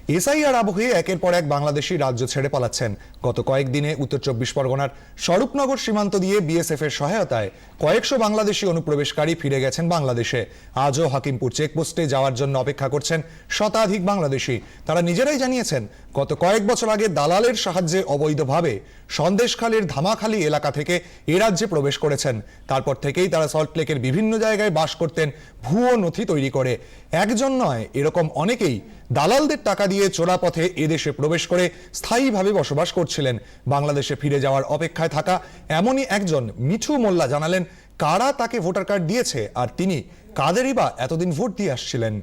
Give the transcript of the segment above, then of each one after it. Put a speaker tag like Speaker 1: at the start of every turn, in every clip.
Speaker 1: SIR আবহে একের পর এক বাংলাদেশি রাজ্য ছেড়ে পালাচ্ছেন। গত কয়েকদিনে উত্তর চব্বিশ পরগনার স্বরূপনগর সীমান্ত দিয়ে বিএসএফ এর সহায়তায় কয়েকশো বাংলাদেশি অনুপ্রবেশকারী ফিরে গেছেন বাংলাদেশে। আজও হাকিমপুর চেকপোস্টে যাওয়ার জন্য অপেক্ষা করছেন শতাধিক বাংলাদেশি। তারা নিজেরাই জানিয়েছেন, গত কয়েক বছর আগে দালালের সাহায্যে অবৈধভাবে সন্দেশখালীর ধামাখালী এলাকা থেকে এ রাজ্যে প্রবেশ করেছেন। তারপর থেকেই তারা সল্টলেকের বিভিন্ন জায়গায় বাস করতেন ভুয়ো নথি তৈরি করে। একজন নয়, এরকম অনেকেই দালালদের টাকা দিয়ে চোরা পথে এদেশে প্রবেশ করে স্থায়ীভাবে বসবাস করছিলেন। বাংলাদেশে ফিরে যাওয়ার অপেক্ষায় থাকা এমনই একজন মিঠু মোল্লা জানালেন কারা তাকে ভোটার কার্ড দিয়েছে আর তিনি কাদেরই বা এতদিন ভোট দিয়ে আসছিলেন।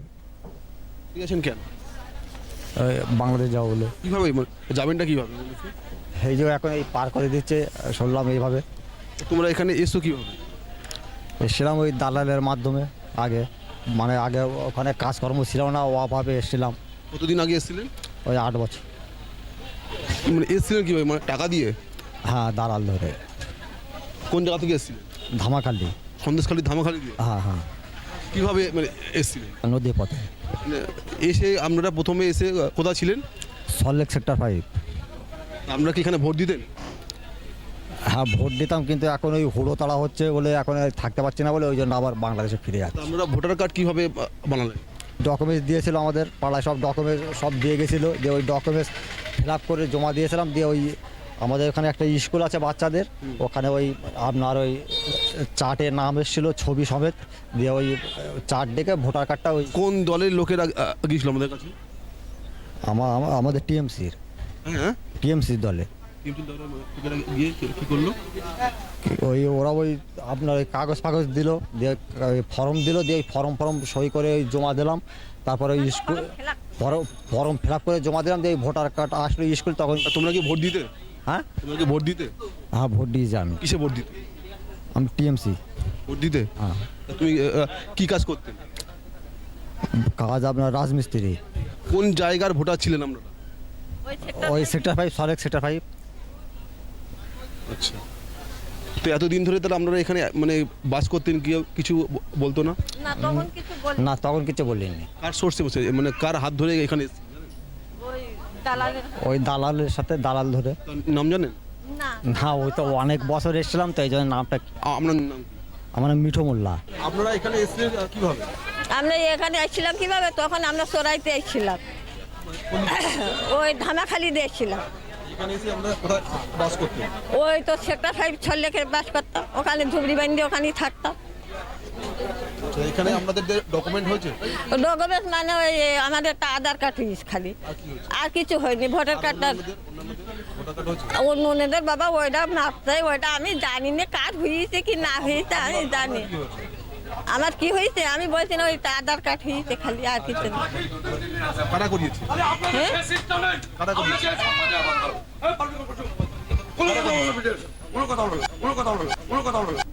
Speaker 2: কেন
Speaker 3: বাংলাদেশ যাবো বলে।
Speaker 2: কিভাবে যাবেনটা কিভাবে?
Speaker 3: এই যে এখন এই পার করে দিচ্ছে, শুনলাম এইভাবে।
Speaker 2: তোমরা এখানে এসছো কিভাবে?
Speaker 3: এসেছিলাম ওই দালালের মাধ্যমে। আগে ওখানে কাজকর্ম ছিল না, অভাবে এসেছিলাম।
Speaker 2: কতদিন আগে এসেছিলেন?
Speaker 3: ওই 8 বছর।
Speaker 2: মানে এসেছিলেন কিভাবে, মানে টাকা দিয়ে?
Speaker 3: হ্যাঁ, দালাল ধরে।
Speaker 2: কোন জায়গা থেকে এসেছিলেন?
Speaker 3: ধামাখালি।
Speaker 2: সন্দেশখালী ধামাখালী দিয়ে?
Speaker 3: হ্যাঁ হ্যাঁ।
Speaker 2: কিভাবে মানে এসেছিলেন?
Speaker 3: নদী পথে।
Speaker 2: মানে এসে আপনারা প্রথমে এসে কোথায় ছিলেন?
Speaker 3: সল্টলেক সেক্টর 5।
Speaker 2: আপনারা কি এখানে ভোট দিতেন?
Speaker 3: হ্যাঁ, ভোট দিতাম, কিন্তু এখন ওই হুড়ো তাড়া হচ্ছে বলে এখন থাকতে পারছি না বলে ওই জন্য আবার বাংলাদেশে ফিরে যাচ্ছে।
Speaker 2: আপনারা ভোটার কার্ড কিভাবে বানালেন?
Speaker 3: ডকুমেন্টস দিয়েছিল, আমাদের পাড়ায় সব ডকুমেন্টস সব দিয়ে গেছিলো। যে ওই ডকুমেন্টস ফিল আপ করে জমা দিয়েছিলাম। দিয়ে ওই আমাদের ওখানে একটা স্কুল আছে বাচ্চাদের, ওখানে ওই আপনার ওই চার্টে নাম এসেছিলো ছবি সমেত। দিয়ে ওই চার্ট ডেকে ভোটার কার্ডটা ওই
Speaker 2: কোন দলের লোকেরা গিয়েছিল আমাদের কাছে?
Speaker 3: আমাদের টিএমসির
Speaker 2: হ্যাঁ,
Speaker 3: দলে।
Speaker 2: কিন্তু দলের লোকেরা গিয়ে কি করলো?
Speaker 3: ওরা ওই আপনার ওই কাগজ ফাগজ দিল, দিয়ে ফর্ম দিল, দিয়ে ওই ফর্ম সই করে ওই জমা দিলাম। তারপরে ওই স্কুল ফর্ম ফিল আপ করে জমা দিলাম। দিয়ে ভোটার কার্ড আসলো স্কুল। তখন
Speaker 2: তোমরা কি ভোট দিতে?
Speaker 3: হ্যাঁ,
Speaker 2: তোমরা কি ভোট দিতে?
Speaker 3: হ্যাঁ, ভোট দিয়েছি আমি।
Speaker 2: কিসে ভোট দিতে?
Speaker 3: আমি টিএমসি
Speaker 2: ভোট দিতে?
Speaker 3: হ্যাঁ।
Speaker 2: তুমি কি কাজ করতেন?
Speaker 3: কাজ আপনার রাজমিস্ত্রি।
Speaker 2: কোন জায়গার ভোটার ছিলেন আপনারা?
Speaker 3: ওই সেক্টর 5, সল্টলেক সেক্টর 5।
Speaker 2: আচ্ছা, তো এতদিন ধরে তাহলে আপনারা এখানে মানে বাস করতেন, কেউ কিছু বলতো না?
Speaker 3: না, তখন কিছু বলিনি।
Speaker 2: কার সোর্সে বসে, মানে কার হাত ধরে এখানে এসেছেন?
Speaker 3: ওই দালালের সাথে, দালাল ধরে।
Speaker 2: তার নাম জানেন?
Speaker 3: না, ওই তো অনেক বছর এসেছিলাম, তো এই জন্য নামটা।
Speaker 2: আপনার নাম কি?
Speaker 3: আমার নাম মিঠু মোল্লা।
Speaker 2: আপনারা এখানে এসেছিলেন কিভাবে?
Speaker 4: আমরা এখানে আসছিলাম কিভাবে, তখন আমরা সরাইতে এসেছিলাম, ওই ধামাখালি দিয়ে এসেছিলাম।
Speaker 2: এখানে এসে আমরা কোথায় বাস করতেন?
Speaker 4: ওই তো সেক্টর 5 সল্টলেকের বাস করতাম, ওখানে ঝুবড়ি বান্ধি ওখানেই থাকতাম।
Speaker 2: এখানে আপনাদের ডকুমেন্ট হয়েছে?
Speaker 4: ডকুমেন্ট মানে ওই আমাদের একটা আধার কার্ড হয়েছে খালি, আর কিছু হয়নি। ভোটার কার্ডটা অন্যদের বাবা ওইটা নাচতে, ওইটা আমি জানি না কার্ড হয়েছে কি না হয়েছে, আমি জানি আমার কি হয়েছে। আমি বলছি না, ওই আধার কার্ড হয়েছে খালি, আর কিছু না।
Speaker 2: কারা করিয়েছে?
Speaker 4: হ্যাঁ,
Speaker 2: কারা করিয়েছে?
Speaker 5: কোনো কথা বলো, কোনো কথা বলো, কোনো কথা বলো, কোনো কথা বলো।